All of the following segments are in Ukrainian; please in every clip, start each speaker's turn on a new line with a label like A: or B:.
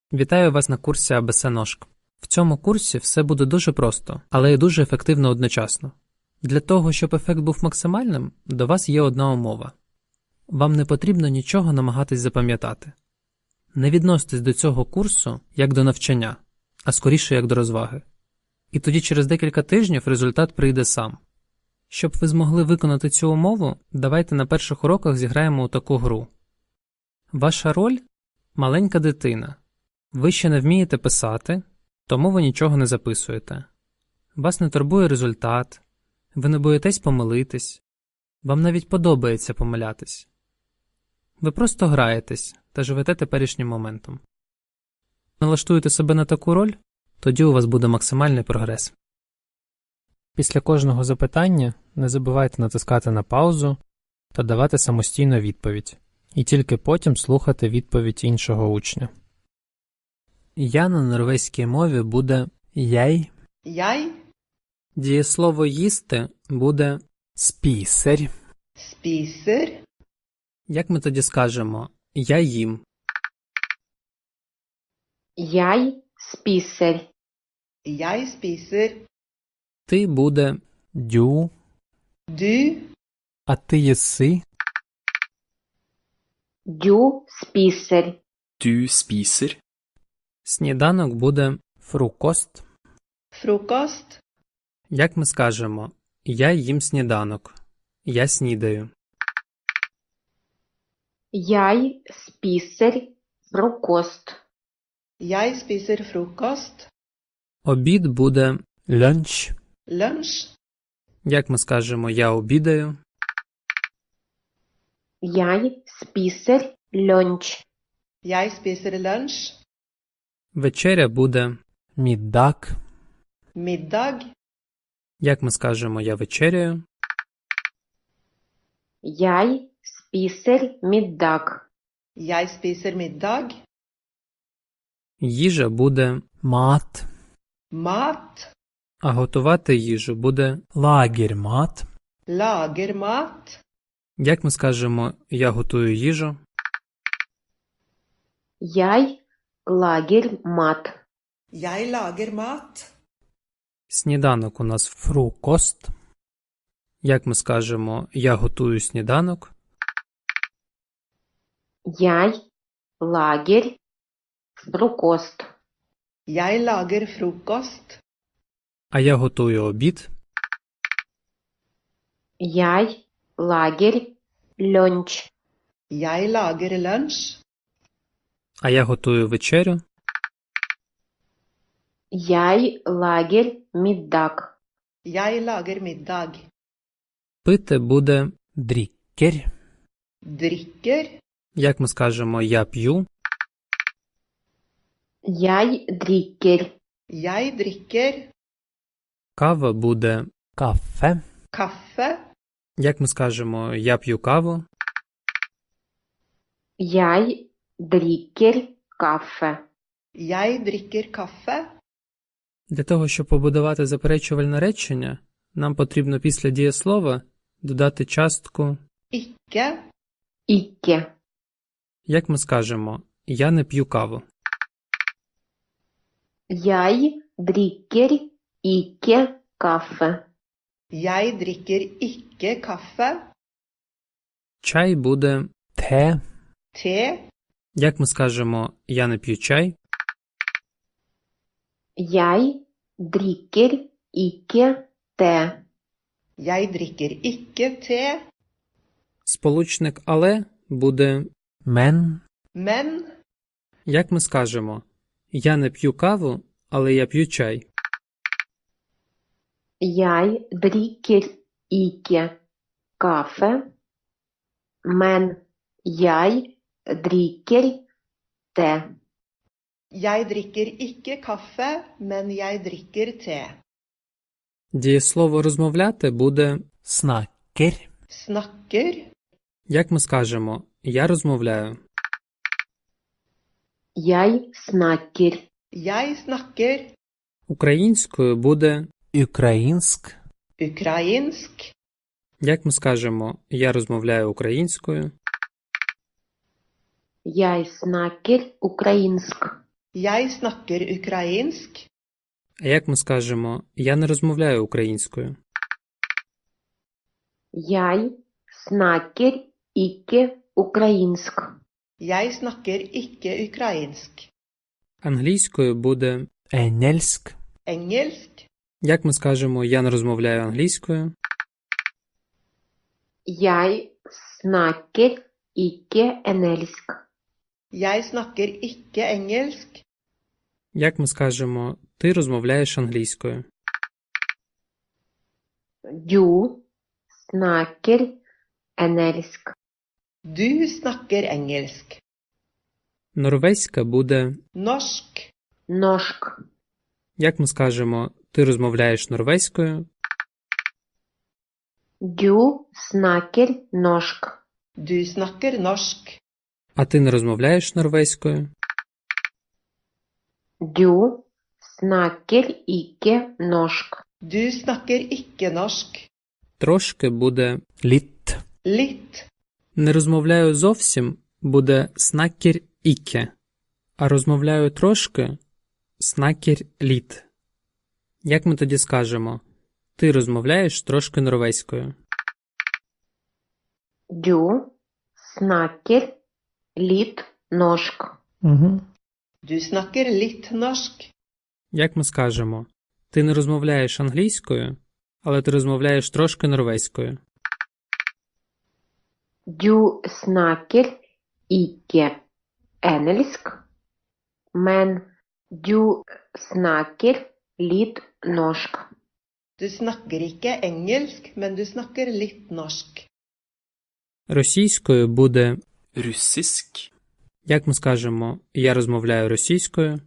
A: Вітаю вас на курсі АБС-ножк. В цьому курсі все буде дуже просто, але й дуже ефективно одночасно. Для того, щоб ефект був максимальним, до вас є одна умова. Вам не потрібно нічого намагатись запам'ятати. Не відноситесь до цього курсу як до навчання, а скоріше як до розваги. І тоді через декілька тижнів результат прийде сам. Щоб ви змогли виконати цю умову, давайте на перших уроках зіграємо у таку гру. Ваша роль – маленька дитина. Ви ще не вмієте писати, тому ви нічого не записуєте. Вас не турбує результат, ви не боїтесь помилитись, вам навіть подобається помилятись. Ви просто граєтесь та живете теперішнім моментом. Налаштуєте себе на таку роль, тоді у вас буде максимальний прогрес. Після кожного запитання не забувайте натискати на паузу та давати самостійно відповідь, і тільки потім слухати відповідь іншого учня. Я на норвезькій мові буде «jeg».
B: Jeg
A: Дієслово «їсти» буде «spiser».
B: spiser.
A: Як ми тоді скажемо «я їм»?
C: Jeg spiser.
B: Jeg spiser.
A: Ти буде «du»,
B: Du
A: а ти єси.
C: Du spiser.
D: Du spiser.
A: Сніданок буде «frokost».
B: frokost.
A: Як ми скажемо «я їм сніданок», «я снідаю».
C: Jeg spiser frokost.
B: Jeg spiser frokost.
A: Обід буде «lunsj».
B: Lunsj.
A: Як ми скажемо «я обідаю».
C: Jeg spiser lunsj.
B: Jeg spiser lunsj.
A: Вечеря буде «middag».
B: Middag.
A: Як ми скажемо «я вечеряю».
C: Jeg spiser middag.
B: Jeg spiser middag.
A: Їжа буде «mat»,
B: Mat.
A: а готувати їжу буде «lagermat».
B: Lager mat.
A: Як ми скажемо «я готую їжу».
C: Jeg lager mat.
B: Jeg lager mat.
A: Сніданок у нас «frokost». Як ми скажемо «я готую сніданок».
C: Jeg lager frokost.
B: Jeg lager frokost.
A: А я готую обід.
C: Jeg lager lunsj.
B: Jeg lager lunsj.
A: А я готую вечерю.
C: Jeg lager middag.
B: Jeg lager middag.
A: Пити буде «drikker».
B: Drikker.
A: Як ми скажемо «я п'ю».
C: Jeg drikker.
B: Jeg drikker.
A: Кава буде «kaffe».
B: Kaffe.
A: Як ми скажемо «я п'ю каву».
C: Jeg drikker kaffe.
B: Jeg drikker kaffe.
A: Для того, щоб побудувати заперечувальне речення, нам потрібно після дієслова додати частку
B: Ikke.
C: Ikke.
A: Як ми скажемо «я не п'ю каву».
C: Jeg drikker ikke kaffe.
B: Jeg drikker ikke kaffe.
A: Чай буде «те».
B: Te.
A: Як ми скажемо «я не п'ю чай».
C: Jeg drikker ikke te.
B: Jeg drikker ikke te.
A: Сполучник «але» буде «мен».
B: Men
A: Як ми скажемо «я не п'ю каву, але я п'ю чай».
C: Jeg drikker ikke kaffe, men jeg drikker te.
B: jeg drikker ikke kaffe, men jeg drikker te.
A: Дієслово «розмовляти» буде «snakker».
B: Snakker.
A: Як ми скажемо «я розмовляю».
C: Jeg snakker.
B: Jeg snakker.
A: Українською буде «українськ».
B: Ukrainsk.
A: Як ми скажемо «я розмовляю українською».
C: Jeg snakker ukrainsk.
B: Jeg snakker ukrainsk.
A: А як ми скажемо «я не розмовляю українською»?
C: Jeg snakker ikke українsk.
B: Jeg snakker ikke ukrainsk.
A: Англійською буде
E: engelsk,
B: Engelsk.
A: як ми скажемо «я не розмовляю англійською»?
C: Jeg snakker ikke engelsk.
B: Jeg snakker ikke engelsk.
A: Як ми скажемо «ти розмовляєш англійською»?
C: Du snakker engelsk.
B: Du snakker engelsk.
A: Норвезька буде
B: Norsk.
C: Norsk.
A: як ми скажемо «ти розмовляєш норвезькою»?
C: Du snakker norsk.
B: Du snakker norsk.
A: А ти не розмовляєш норвезькою?
C: Du snakker ikke norsk.
B: Du snakker ikke norsk.
A: Трошки буде
E: litt,
B: Litt.
A: не розмовляю зовсім буде «snakker ikke», а розмовляю трошки «snakker litt». Як ми тоді скажемо «ти розмовляєш трошки норвезькою»?
C: Du snakker litt norsk.
B: Du snakker litt norsk.
A: Як ми скажемо «ти не розмовляєш англійською, але ти розмовляєш трошки норвезькою»?
C: Du snakker ikke engelsk, men du snakker litt norsk.
B: Du snakker ikke engelsk, men du snakker litt norsk.
A: Російською буде
D: russisk,
A: як ми скажемо «я розмовляю російською»?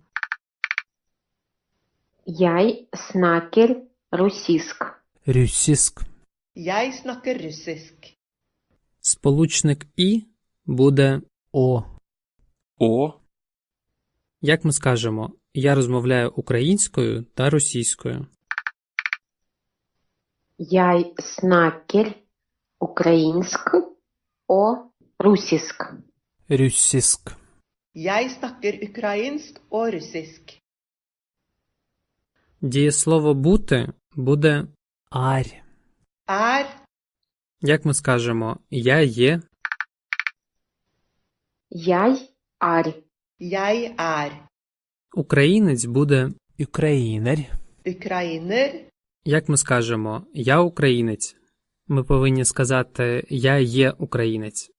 C: Jeg snakker russisk.
E: russisk,
B: Jeg snakker russisk.
A: Сполучник «і» буде
E: å,
D: å,
A: як ми скажемо «я розмовляю українською та російською»?
C: Jeg snakker ukrainsk og russisk.
E: russisk,
B: Jeg snakker ukrainsk og russisk.
A: Дієслово «бути» буде
E: er,
B: Er.
A: як ми скажемо «я є»,
C: Jeg er.
B: Jeg er.
A: українець буде
E: ukrainer,
B: Ukrainer.
A: як ми скажемо «я українець». Ми повинні сказати «я є українець».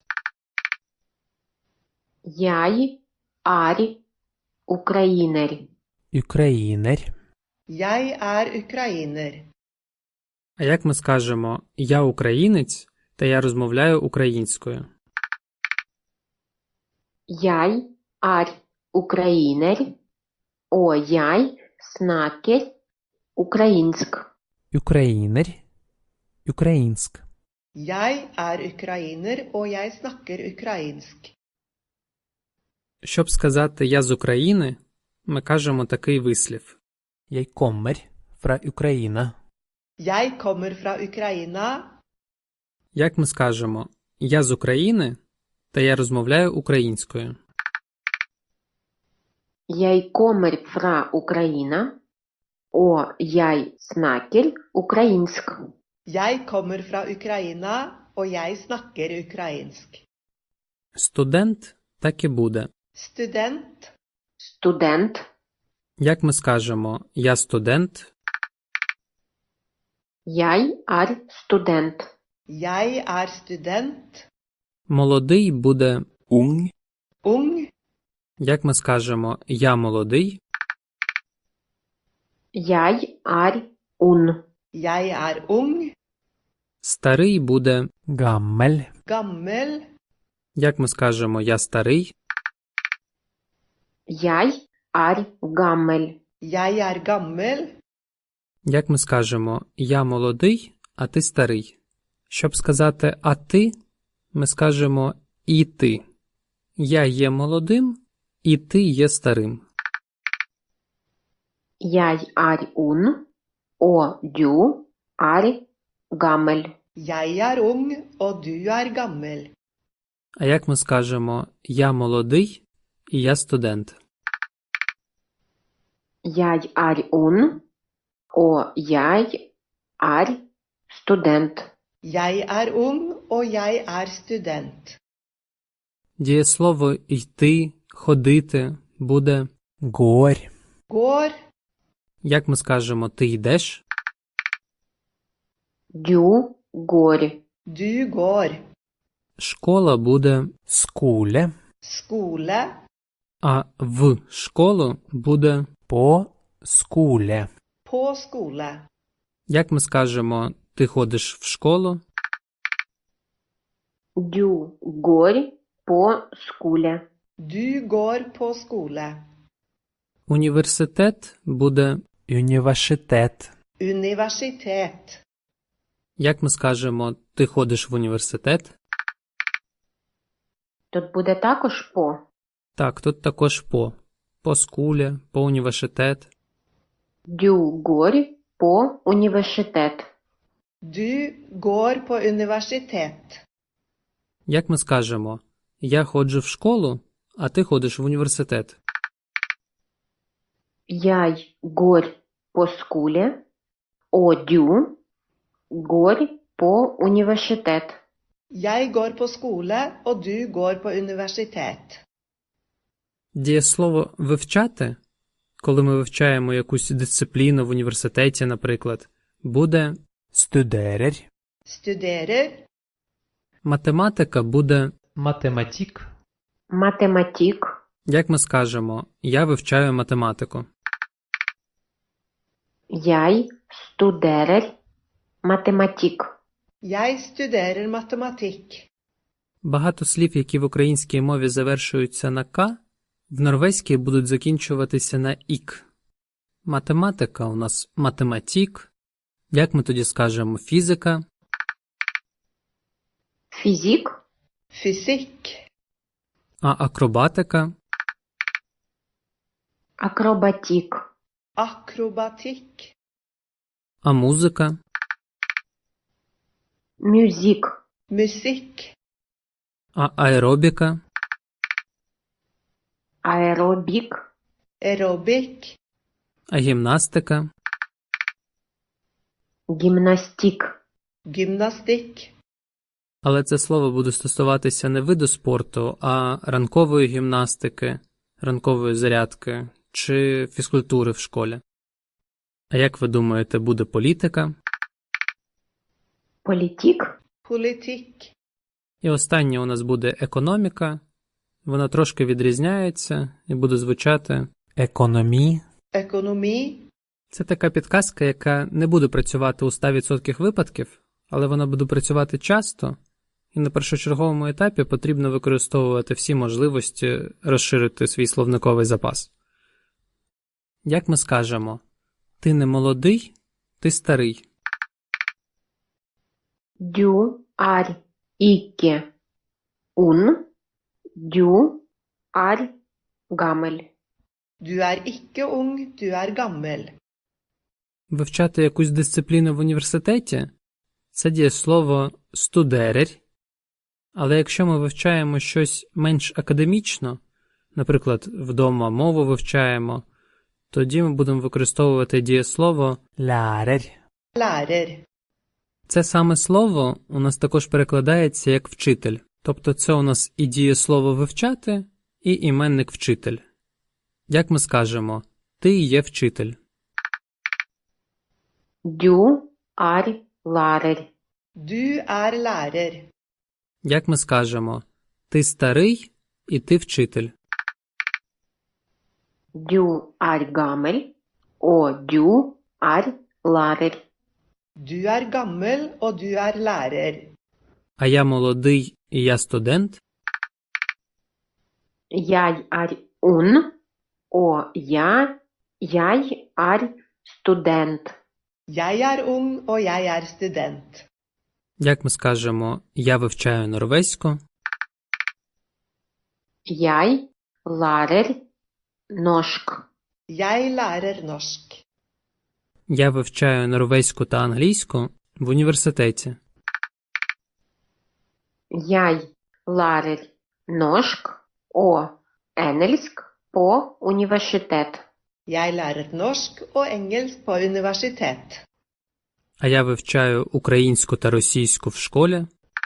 C: Jeg er ukrainer.
E: ukrainer,
B: Jeg er ukrainer.
A: А як ми скажемо «я українець» та «я розмовляю українською»?
C: Jeg er ukrainer, og jeg snakker ukrainsk.
E: ukrainer, ukrainsk,
B: Jeg er ukrainer, og jeg snakker ukrainsk.
A: Щоб сказати «я з України», ми кажемо такий вислів.
E: jeg kommer fra Ukraina.
B: Jeg kommer fra Ukraina.
A: Як ми скажемо «я з України» та «я розмовляю українською»?
C: Jeg kommer fra Ukraina, og jeg snakker ukrainsk.
B: Jeg kommer fra Ukraina, og jeg snakker ukrainsk.
A: Студент так і буде.
B: Student.
C: Student.
A: Як ми скажемо «я студент»,
C: Jeg er student.
B: Jeg er student.
A: молодий буде
D: ung,
B: Ung.
A: як ми скажемо «я молодий»,
C: Jeg er ung.
B: Jeg er ung.
A: старий буде
E: gammel,
B: Gammel.
A: як ми скажемо «я старий»,
C: Jeg er gammel.
B: Jeg er gammel.
A: як ми скажемо «я молодий, а ти старий». Щоб сказати «а ти», ми скажемо «і ти». Я є молодим, і ти є старим.
C: Jeg er ung, og du er gammel.
B: Jeg er ung, og du er gammel.
A: А як ми скажемо «я молодий, і я студент»?
C: Jeg er ung, og jeg er student.
B: Jeg er ung, og jeg er student.
A: Дієслово йти, ходити буде
E: går,
B: Går,
A: як ми скажемо ти йдеш,
C: Du går.
B: du går.
A: школа буде,
E: skole,
B: Skole,
A: а в школу буде,
E: på skole,
B: på skole.
A: як ми скажемо ти ходиш в школу,
C: Du går på skole.
B: Du går på skole.
A: університет буде,
E: universitet,
B: Universitet.
A: як ми скажемо ти ходиш в університет.
C: Тут буде також по.
A: Так, тут також по скулі, по університет.
C: Du går på universitet.
B: Du går på universitet.
A: Як ми скажемо я ходжу в школу, а ти ходиш в університет.
C: Jeg går på skole, og du går på universitet.
B: Jeg går på skole, og du går på universitet.
A: Дієслово «вивчати», коли ми вивчаємо якусь дисципліну в університеті, наприклад, буде
E: studerer,
B: Studerer.
A: математика буде,
E: matematikk,
C: Matematikk.
A: як ми скажемо, я вивчаю математику.
C: Jeg studerer matematikk.
B: Jeg studerer matematikk.
A: Багато слів, які в українській мові завершуються на «к», в норвезькій будуть закінчуватися на «ік». Математика у нас математік. Як ми тоді скажемо фізика?
C: Фізик.
B: Fysikk.
A: А акробатика?
C: Акробатик.
B: Akrobatikk.
A: А музика?
C: Мюзик.
B: Musikk.
A: А аеробіка?
C: Аеробик.
B: Aerobic.
A: А гімнастика?
C: Гімнастик.
B: Gymnastikk.
A: Але це слово буде стосуватися не виду спорту, а ранкової гімнастики, ранкової зарядки чи фізкультури в школі. А як ви думаєте, буде політика?
C: Політик.
B: Politikk.
A: І останнє у нас буде економіка. Вона трошки відрізняється і буде звучати.
E: økonomi,
B: Økonomi.
A: Це така підказка, яка не буде працювати у 100% випадків, але вона буде працювати часто, і на першочерговому етапі потрібно використовувати всі можливості розширити свій словниковий запас. Як ми скажемо, ти не молодий, ти старий.
C: Du er ikke ung. Du er gammel.
B: Du er ikke ung, du er gammel.
A: Вивчати якусь дисципліну в університеті – це дієслово «студерер». Але якщо ми вивчаємо щось менш академічно, наприклад, вдома мову вивчаємо, тоді ми будемо використовувати дієслово
E: lærer,
B: Lærer.
A: Це саме слово у нас також перекладається як «вчитель». Тобто це у нас і дієслово «вивчати», і іменник «вчитель». Як ми скажемо «ти є вчитель».
C: Du er lærer.
B: Du er lærer.
A: Як ми скажемо «ти старий» і «ти вчитель».
C: Du er gammel. Og du er lærer.
B: Du er gammel, og du er lærer.
A: А я молодий і я студент.
C: Jeg er ung. Og jeg er student.
B: Jeg er ung, og jeg er student.
A: Як ми скажемо «я вивчаю норвезьку»,
C: Jeg lærer norsk.
B: Jeg lærer norsk.
A: «я вивчаю норвезьку та англійську в університеті».
C: Jeg lærer norsk og engelsk på universitet.
B: Jeg lærer norsk og engelsk på universitet.
A: А я вивчаю українську та російську в школі.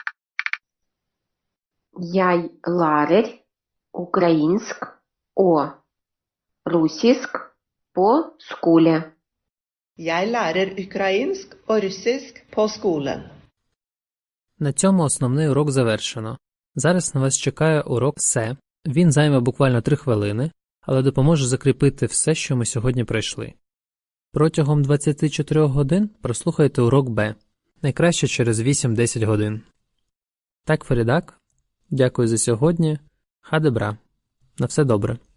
C: Jeg lærer українsk og russisk på skole.
B: Jeg lærer ukrainsk og russisk på skolen.
A: На цьому основний урок завершено. Зараз на вас чекає урок «Се». Він займе буквально 3 хвилини, але допоможе закріпити все, що ми сьогодні пройшли. Протягом 24 годин прослухайте урок «Б». Найкраще через 8-10 годин. Так, Фарідак. Дякую за сьогодні. Хадебра. На все добре.